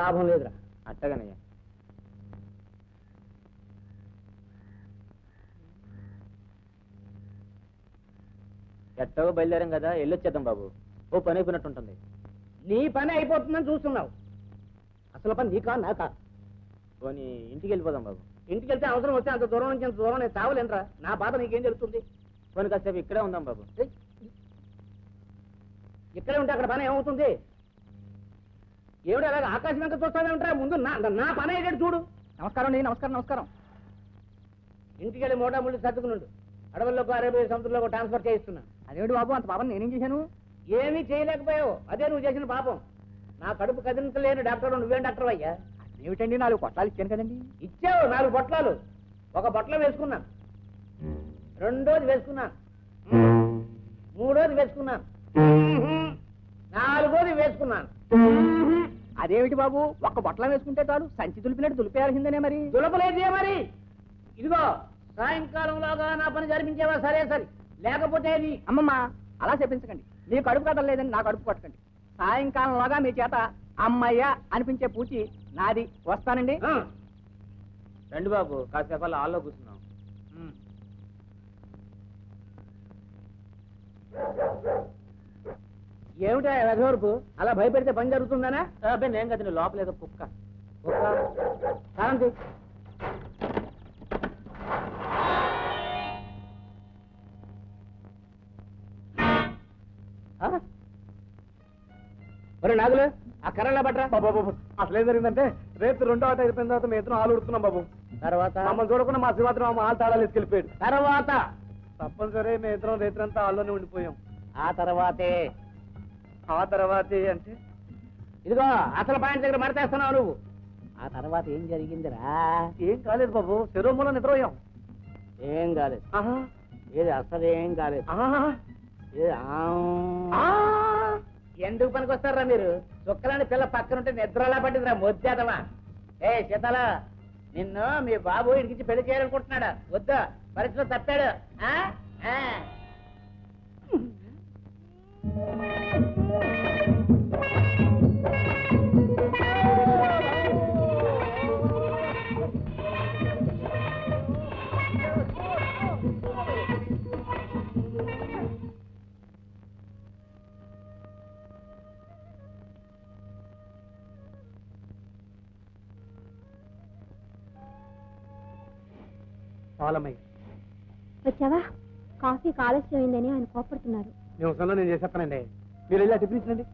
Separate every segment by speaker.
Speaker 1: లాభం లేదురా.
Speaker 2: అట్టగానయ్యా. ఎట్టో బయలుదేరాం కదా, వెళ్ళొచ్చేద్దాం బాబు. ఓ పని అయిపోయినట్టుంటుంది.
Speaker 1: నీ పని అయిపోతుందని చూస్తున్నావు, అసలు పని నీకా నాకా?
Speaker 2: పోనీ ఇంటికి వెళ్ళిపోదాం బాబు.
Speaker 1: ఇంటికి వెళ్తే అవసరం వస్తే అంత దూరం నుంచి అంత దూరం నేను తావలేనరా. నా బాధ నీకేం జరుగుతుంది?
Speaker 2: పోనీ కాసేపు ఇక్కడే ఉందాం బాబు.
Speaker 1: ఇక్కడే ఉంటే అక్కడ పని ఏమవుతుంది? ఏమిటి అలాగే ఆకాశం వెంక చూస్తావేమిట్రా? ముందు నా పని అయ్యేటట్టు చూడు.
Speaker 3: నమస్కారం అండి. నమస్కారం నమస్కారం.
Speaker 1: ఇంటికి వెళ్ళి మోటా ముళ్ళు సర్దుకున్నాడు. అడవుల్లోకి అరేబియా సముద్రంలోకి ట్రాన్స్ఫర్ చేయిస్తున్నా.
Speaker 3: అదేమిటి బాబు, అంత పాపం నేనేం చేశాను?
Speaker 1: ఏమీ చేయలేకపోయావు, అదే నువ్వు చేసిన పాపం. నా కడుపు కదిలించలేని డాక్టర్ నువ్వేం డాక్టర్ అయ్యా?
Speaker 3: ఏమిటండి, 4 పొట్లాలు ఇచ్చాను కదండి.
Speaker 1: ఇచ్చావు 4 పొట్లాలు. ఒక పొట్లం వేసుకున్నాను, రెండోది వేసుకున్నాను, మూడోది వేసుకున్నాను, నాలుగోది వేసుకున్నాను.
Speaker 3: అదేమిటి బాబు, ఒక్క పొట్లం వేసుకుంటే చాలు, సంచి దులిపినట్టు దులిపేయాల్సిందేనే మరి.
Speaker 1: దులపలేదే మరి. ఇదిగో సాయంకాలంలోగా నా పని జరిపించేవా? సరే సరే, లేకపోతే అది.
Speaker 3: అమ్మమ్మ అలా చెప్పించకండి. మీ కడుపు కథలు లేదని నా కడుపు కొట్టకండి. సాయంకాలంలోగా మీ చేత అమ్మయ్య అనిపించే పూచి నాది. వస్తానండి.
Speaker 2: రండి బాబు, కాసేపు అలా హాల్లో కూర్చున్నాం.
Speaker 1: ఏమిటా వెధవరపు అలా భయపెడితే పని జరుగుతుందనా?
Speaker 2: అబ్బాయి నేను కదా, లోపల ఏదో కుక్క.
Speaker 1: కారంతి ఒరే నాగులు, ఆ కర్రలా పట్రా.
Speaker 4: బాబు అసలు ఏం జరిగిందంటే, రేపు 2వ ఆట అయిపోయిన తర్వాత మేము ఇద్దరం ఆలు ఉడుతున్నాం బాబు.
Speaker 1: తర్వాత
Speaker 4: మమ్మల్ని చూడకుండా మా శివాత్రం ఆలు తాళాలు ఎత్తుకెళ్ళిపోయాడు.
Speaker 1: తర్వాత
Speaker 4: తప్పనిసరి మేము ఇద్దరం రేత్రంతా ఆల్లోనే ఉండిపోయాం.
Speaker 1: ఆ తర్వాతే
Speaker 4: ఆ తర్వాతే అంటే
Speaker 1: ఇదిగో అసలు పాయింట్ దగ్గర మడతేస్తున్నావు నువ్వు. ఆ తర్వాత ఏం జరిగిందిరా?
Speaker 4: ఏం కాలేదు బాబు, శిరోమూల నిద్రపోయాం.
Speaker 1: ఏం కాలేదు. ఏది అసలు ఏం కాలేదు. ఎందుకు పనికి వస్తారా మీరు? చుక్కలాంటి పిల్ల పక్కనుంటే నిద్రలా పట్టిందిరా మొద్దేదవా. ఏ శీతల, నిన్ను మీ బాబు ఇడికించి పెళ్లి చేయాలనుకుంటున్నాడా? వద్దా, పరిస్థితిలో తప్పాడు.
Speaker 4: పాలమయ్య
Speaker 5: వచ్చావా? కాఫీ ఆలస్యమైందని ఆయన కోపడుతున్నారు.
Speaker 4: నేను చేసేస్తానండి, మీరు వెళ్ళి టిఫిన్ ఇచ్చండి.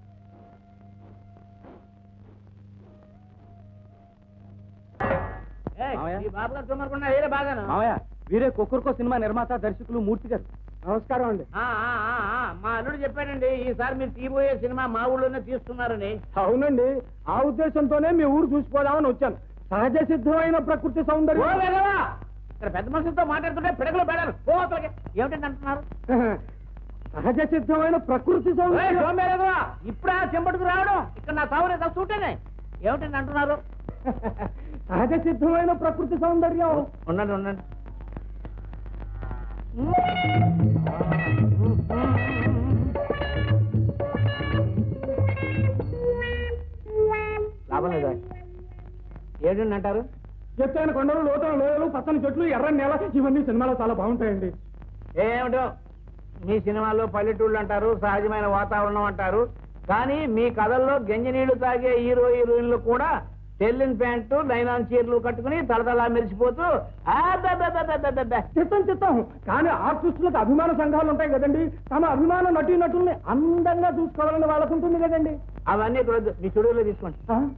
Speaker 1: బాబు గారు తుమ్మరకుండా వేరే బాగాను.
Speaker 4: మామయ్య, వీరే కొక్కర్కో సినిమా నిర్మాత దర్శకులు మూర్తి గారు. నమస్కారం అండి.
Speaker 1: మా అల్లుడు చెప్పాడండి, ఈసారి మీరు తీయబోయే సినిమా మా ఊళ్ళోనే తీస్తున్నారని.
Speaker 4: అవునండి, ఆ ఉద్దేశంతోనే మీ ఊరు చూసిపోదామని వచ్చాను. సహజ సిద్ధమైన ప్రకృతి సౌందర్యం.
Speaker 1: ఇక్కడ పెద్ద మనుషులతో మాట్లాడుతుంటే పిడకలు పెడాలి. ఏమిటండి అంటున్నారు?
Speaker 4: సహజ సిద్ధమైన ప్రకృతి సౌందర్యం.
Speaker 1: ఇప్పుడు ఆ చెంబడుకు రావడం ఇక్కడ నా తావునే చూటేనే. ఏమిటండి అంటున్నారు?
Speaker 4: సహజ సిద్ధమైన ప్రకృతి సౌందర్యం.
Speaker 1: ఉండండి ఉండండి. లాభం లేదా? ఏంటండి అంటారు?
Speaker 4: ఎత్తైన కొండలు, లోతైన లోయలు, పచ్చని చెట్లు, ఎర్రని నేల, ఇవన్నీ సినిమాలో చాలా బాగుంటాయండి.
Speaker 1: ఏమిటో మీ సినిమాల్లో పల్లెటూళ్ళు అంటారు, సహజమైన వాతావరణం అంటారు, కానీ మీ కథల్లో గంజనీళ్లు తాగే హీరోయిన్లు కూడా తెల్లిన ప్యాంటు, నైలాన్ చీరలు కట్టుకుని తలతలా మెరిసిపోతూ
Speaker 4: చిత్తం. కానీ ఆర్టిస్టులకు అభిమాన సంఘాలు ఉంటాయి కదండి, తమ అభిమాన నటీనటుల్ని అందంగా చూసుకోవాలని వాళ్ళకు ఉంటుంది కదండి.
Speaker 1: అవన్నీ ఇక్కడ మీ స్టూడియోలో తీసుకోండి.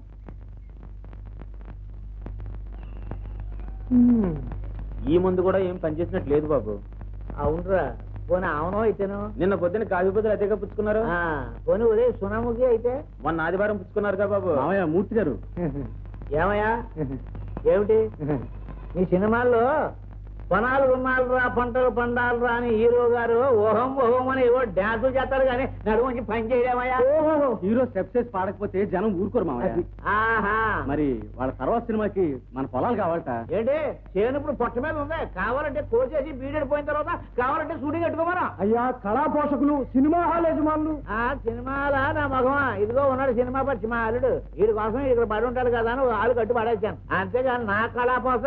Speaker 2: ఈ ముందు కూడా ఏం పనిచేసినట్టు లేదు బాబు.
Speaker 1: అవునరా, పోనీ అవునో అయితేను.
Speaker 2: నిన్న పొద్దున్న కాఫీ బదులు అదేగా పుచ్చుకున్నారు.
Speaker 1: పోనీ ఉదయ సునాముఖి అయితే
Speaker 2: మొన్న ఆదివారం పుచ్చుకున్నారుగా బాబు.
Speaker 4: మామయ్య, మూర్తి గారు.
Speaker 1: ఏమయ్యా, ఏమిటి మీ సినిమాల్లో పనాలు రుణాలురా పంటలు పండాలురా అని హీరో గారు ఓహం ఓహం అని ఏవో డ్యాన్సులు చేస్తారు కానీ నడుముంచి పని చేయడమయ్యా.
Speaker 4: హీరో స్టెప్స్ వేసి పాడకపోతే జనం ఊరుకోరు మామయ్య.
Speaker 1: ఆహా
Speaker 4: మరి వాళ్ళ తర్వాత సినిమాకి మన పొలాలు కావాలట.
Speaker 1: ఏంటి చేను ఇప్పుడు పొట్ట మీద ఉంది, కావాలంటే కోసేసి బీడెడిపోయిన తర్వాత కావాలంటే షూటింగ్ కట్టుకోమరా.
Speaker 4: అయ్యా కళా పోషకులు, సినిమా హాల్ యజమానులు.
Speaker 1: ఆ సినిమాలా నా మగమా ఇదిగో ఉన్నాడు సినిమా పచ్చి మా అల్లుడు, వీడి కోసం ఇక్కడ పడి ఉంటాడు కదా అని ఆలు కట్టి పడేసాను, అంతేగాని నా కళాపోస.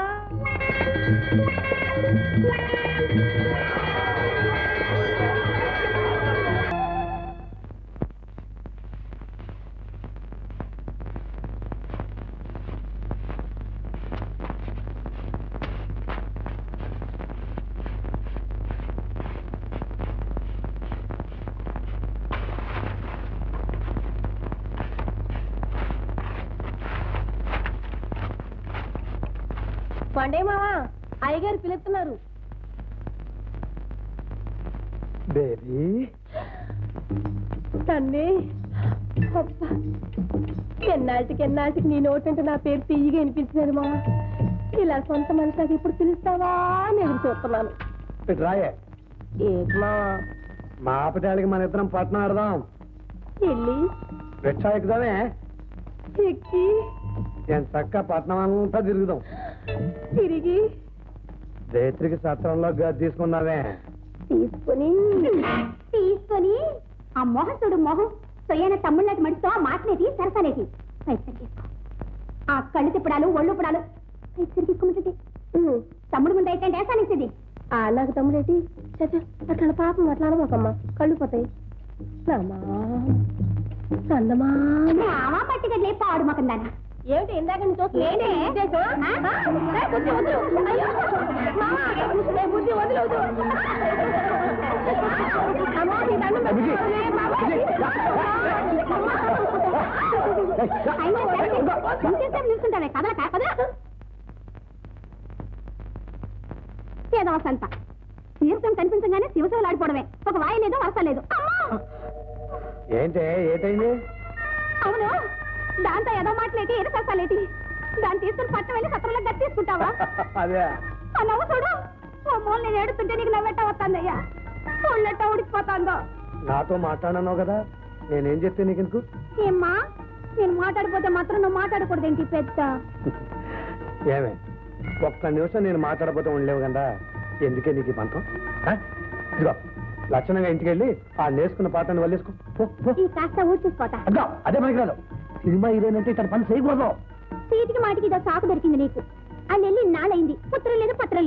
Speaker 5: పండే మావా అయ్యగారు పిలుస్తున్నారు.
Speaker 4: బేబీ
Speaker 5: తన్నే ఎన్నాటికి నీ నోటంటే నా పేరు తీయగా వినిపించినది మావా. ఇలా సొంత మనిషికి ఇప్పుడు పిలుస్తావా అని ఎదురు చూస్తున్నాను.
Speaker 4: రాయే
Speaker 5: ఏంటి మావా?
Speaker 4: మా ఆపటాలకి మన ఇద్దరం పట్నం ఆడదాం.
Speaker 5: వెళ్ళి
Speaker 4: రిక్షా ఎక్కుదామే,
Speaker 5: ఎక్కి
Speaker 4: నేను చక్క పట్నం అంతా తిరుగుదాం.
Speaker 5: తిరిగి
Speaker 4: రేత్రికి సత్రంలో గది తీసుకున్నావే,
Speaker 5: తీసుకొని ఆ మొహసుడు మొహం సొయ్యన తమ్ముళ్ళకి మడితో మాటలేది సరసలేది పైసలు తీసుకో. ఆ కళ్ళు తిప్పడాలు ఒళ్ళు పుడాలు పైసలు తీసుకున్నట్టు తమ్ముడు ముందు అయితే వేసానిస్తుంది. నాకు తమ్ముడేటి అట్లా పాపం అట్లా అనమాకమ్మా, కళ్ళు పోతాయి. పట్టిగట్లే పాడు మొకందానా ఏమిటి ఇందాక బుద్ధి వదిలేదు. నిల్చుంటానే కదల కాకదా ఏదో సంత తీర్థం కనిపించగానే శివశివలు ఆడిపోవడమే, ఒక వాయి లేదు వరస లేదు.
Speaker 4: ఏంటే ఏటైంది?
Speaker 5: అవును దాంతో ఏదో మాటలేటి ఏదో కష్టాలేటి, దాన్ని తీసుకుని పట్టు వెళ్ళి సత్రంలో గట్టి తీసుకుంటావా?
Speaker 4: అదే
Speaker 5: ఆ నవ్వు చూడు, ఓ మూలు నేను ఏడుతుంటే నీకు నవ్వెట్ట వస్తుందయ్యా, ఒళ్ళెట్ట ఉడికిపోతాందో.
Speaker 4: నాతో మాట్లాడన్నావు కదా, నేనేం చెప్తే నీకు ఎందుకు?
Speaker 5: ఏమ్మా నేను మాట్లాడిపోతే మాత్రం నువ్వు మాట్లాడకూడదేంటి పెద్ద?
Speaker 4: ఏమే ఒక్క నిమిషం నేను మాట్లాడబోతే ఉండలేవు కదా, ఎందుకే నీకు ఈ పంతం? ఇదిగో లక్షణంగా ఇంటికి వెళ్ళి ఆ నేర్చుకున్న పాటను వల్లేసుకో.
Speaker 5: ఈ కాస్త ఊడ్చేసుకోతా.
Speaker 4: అదే మనకి రాదు, సినిమా హీరోయిన్ అంటే ఇక్కడ పని చేయకూడదు.
Speaker 5: సీటికి మాటికి ఇదో సాకు దొరికింది నీకు. ఆ నెల్లి నాలైంది, పుత్రం లేదు పత్రం లేదు.